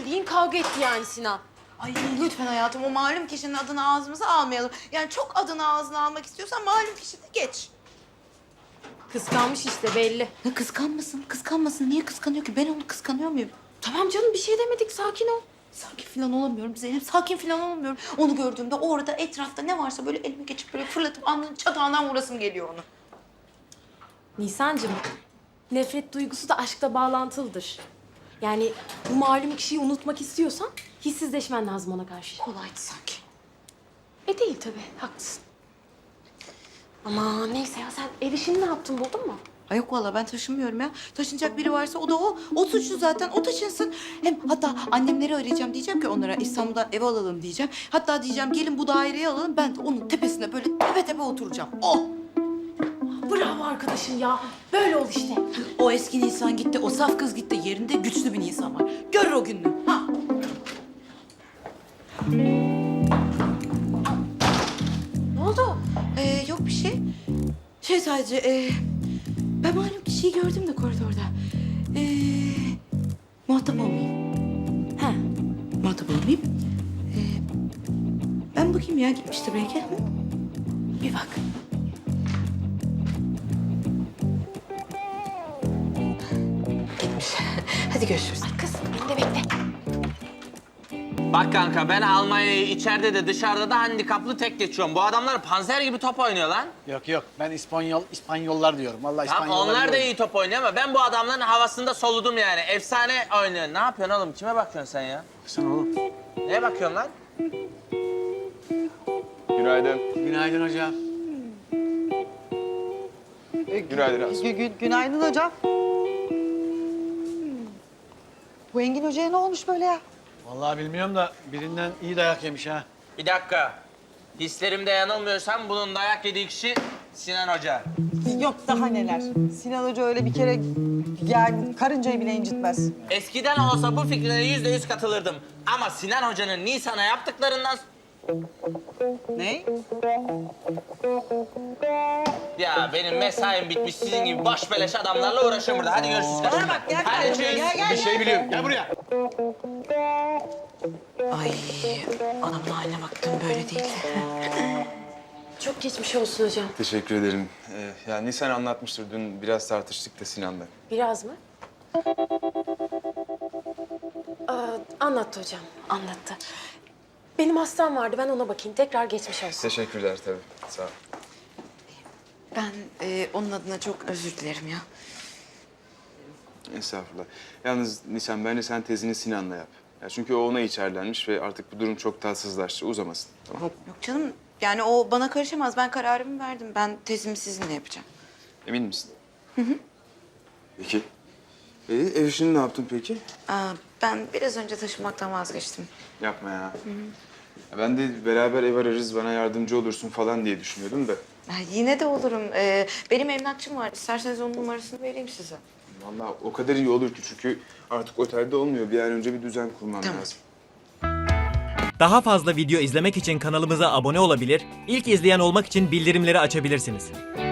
bildiğin kavga etti yani Sinan. Ay lütfen hayatım, o malum kişinin adını ağzımıza almayalım. Yani çok adını ağzına almak istiyorsan malum kişini geç. Kıskanmış işte belli. Ya kıskanmasın, kıskanmasın. Niye kıskanıyor ki? Ben onu kıskanıyor muyum? Tamam canım bir şey demedik sakin ol. Sakin falan olamıyorum Zeynep, sakin falan olamıyorum. Onu gördüğümde orada etrafta ne varsa böyle elime geçip böyle fırlatıp alnının çatağından vurasım geliyor onu. Nisancığım, nefret duygusu da aşkla bağlantılıdır. Yani bu malum kişiyi unutmak istiyorsan hissizleşmen lazım ona karşı. Kolaydı sanki. Değil tabii, haklısın. Ama neyse ya sen ev işini ne yaptın buldun mu? Ay yok vallahi ben taşınmıyorum ya. Taşınacak biri varsa o da o. O suçlu zaten, o taşınsın. Hem hatta annemleri arayacağım, diyeceğim ki onlara İstanbul'da ev alalım diyeceğim. Hatta diyeceğim gelin bu daireyi alalım, ben de onun tepesine böyle tepe tepe oturacağım. O! Bravo arkadaşım ya. Böyle ol işte. O eski Nisan gitti, o saf kız gitti. Yerinde güçlü bir Nisan var. Görür o gününü. Ha! Ne oldu? Yok bir şey. Sadece ben malum kişiyi gördüm de koridorda. Muhatap olmayayım. He. Muhatap olmayayım. Ben bakayım ya, gitmiştir belki. Hı? Bir bak. Gitmiş. Hadi görüşürüz. Ay kız beni de bekle. Bak kanka ben Almanya'yı içeride de dışarıda da handikaplı tek geçiyorum. Bu adamlar panzer gibi top oynuyor lan. Yok ben İspanyollar diyorum. Vallahi Tamam İspanyollar onlar da diyorum. iyi top oynuyor ama ben bu adamların havasında soludum yani. Efsane oynuyor. Ne yapıyorsun oğlum? Kime bakıyorsun sen ya? Sen oğlum. Neye bakıyorsun lan? Günaydın. Günaydın hocam. Günaydın Asım. Günaydın hocam. Bu Engin Hoca'ya ne olmuş böyle ya? Vallahi bilmiyorum da birinden iyi dayak yemiş ha. Bir dakika. Hislerimde yanılmıyorsam bunun dayak yediği kişi Sinan Hoca. Yok daha neler. Sinan Hoca öyle bir kere yani karıncayı bile incitmez. Eskiden olsa bu fikrine %100 katılırdım. Ama Sinan Hoca'nın Nisan'a yaptıklarından... Ne? Ya benim mesaim bitmiş. Sizin gibi boş beleş adamlarla uğraşıyorum burada. Hadi görüşürüz. Bana bak gel Hadi gel tschüss. gel Bir şey biliyorum. Gel buraya. Ay anamın haline baktım, böyle değildi. Çok geçmiş olsun hocam. Teşekkür ederim. Ya Nisan anlatmıştır. Dün biraz tartıştık da Sinan'la. Biraz mı? Anlattı hocam, anlattı. Benim hastam vardı, ben ona bakayım. Tekrar geçmiş olsun. Teşekkürler tabii. Sağ ol. Ben onun adına çok özür dilerim ya. Estağfurullah. Yalnız Nisan bence sen tezini Sinan'la yap. Ya çünkü o ona içerlenmiş ve artık bu durum çok tatsızlaştı. Uzamasın. Tamam. Yok canım, yani o bana karışamaz. Ben kararımı verdim. Ben tezimi sizinle yapacağım. Emin misin? Hı hı. Peki. Ev işini ne yaptın peki? Ben biraz önce taşınmaktan vazgeçtim. Yapma ya. Ya ben de beraber ev ararız, bana yardımcı olursun falan diye düşünüyordum da. Yine de olurum. Benim emlakçım var. İsterseniz onun numarasını vereyim size. Vallahi o kadar iyi olur ki çünkü artık otelde olmuyor. Bir an önce bir düzen kurmam Tamam. lazım. Daha fazla video izlemek için kanalımıza abone olabilir, ilk izleyen olmak için bildirimleri açabilirsiniz.